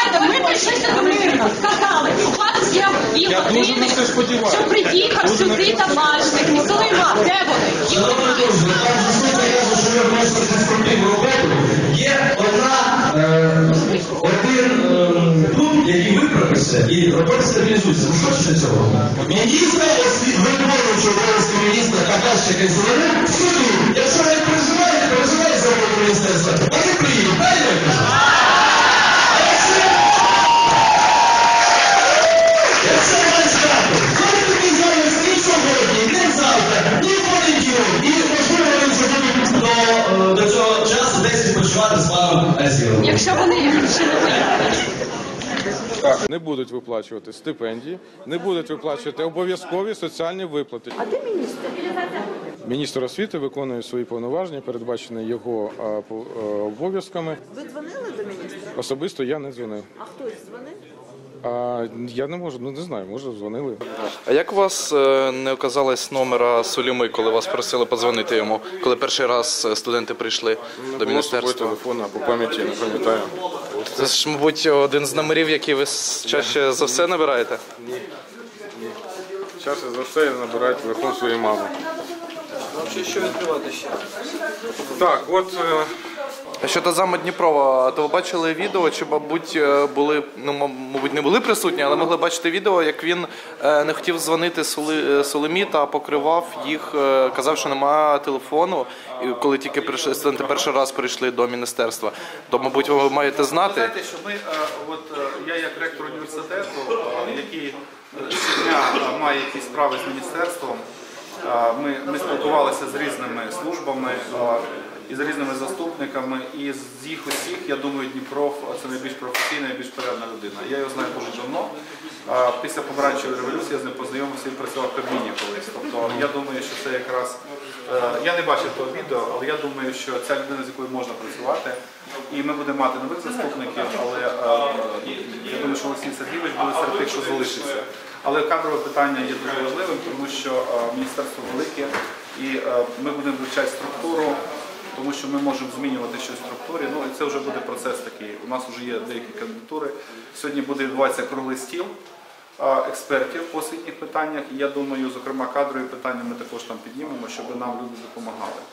Знаєте, ми прийшли до мирно, сказали, у вас є 2 години, щоб приїхав сюди табачник, Сулейман, де вони? Є один пункт, який ви прописали, і робота стабілізується. Ви хочете цього? Міністр, виконуючий обов'язки міністра Кадащик і Зелених, в суді, якщо не переживають за роботу міністерства, вони приїдуть, правильно я кажу? Якщо має стати, коли такі займаються ні сьогодні, ні завтра, ні в понеділок, і можливо вони вже будуть до цього часу десь відпочивати з паном Азіровим. Якщо вони ще не виїхали. Так, не будуть виплачувати стипендії, не будуть виплачувати обов'язкові соціальні виплати. А де міністр? Міністр освіти виконує свої повноваження, передбачені його обов'язками. Ви дзвонили до міністра? Особисто я не дзвонив. А хтось дзвонив? Я не можу, не знаю, може дзвонили. А як у вас не оказалось номера Сулейми, коли вас просили подзвонити йому, коли перший раз студенти прийшли до міністерства? Телефон по пам'яті, не пам'ятаю. Це ж, мабуть, один з номерів, які ви чаще за все набираєте? Ні. Чаще за все набирають телефон своєї мами. Що відкривати ще? Так, от... Щодо заму Дніпрова, то ви бачили відео, чи, мабуть, були, мабуть, не були присутні, але могли бачити відео, як він не хотів дзвонити Сулеймі та покривав їх, казав, що немає телефону, коли тільки студенти перший раз прийшли до міністерства. То, мабуть, ви маєте знати. Ви знаєте, що ми, я як ректор університету, який щодня має якісь справи з міністерством, ми спілкувалися з різними службами, і з різними заступниками, і з їх усіх, я думаю, Дніпров – це найбільш професійна і найбільш порядна людина. Я його знаю дуже давно. Після помаранчевої революції я з ним познайомився і працював в Кабміні колись. Тобто я думаю, що це якраз... Я не бачив того відео, але я думаю, що ця людина, з якою можна працювати, і ми будемо мати нових заступників, але я думаю, що Олексій Сергійович буде серед тих, що залишиться. Але кадрове питання є дуже важливим, тому що міністерство велике, і ми будемо вивчати структуру, тому що ми можемо змінювати щось в структурі. Ну і це вже буде процес такий. У нас вже є деякі кандидатури. Сьогодні буде відбуватися круглий стіл експертів по освітніх питаннях. І я думаю, зокрема, кадрові питання ми також там піднімемо, щоб нам люди допомагали.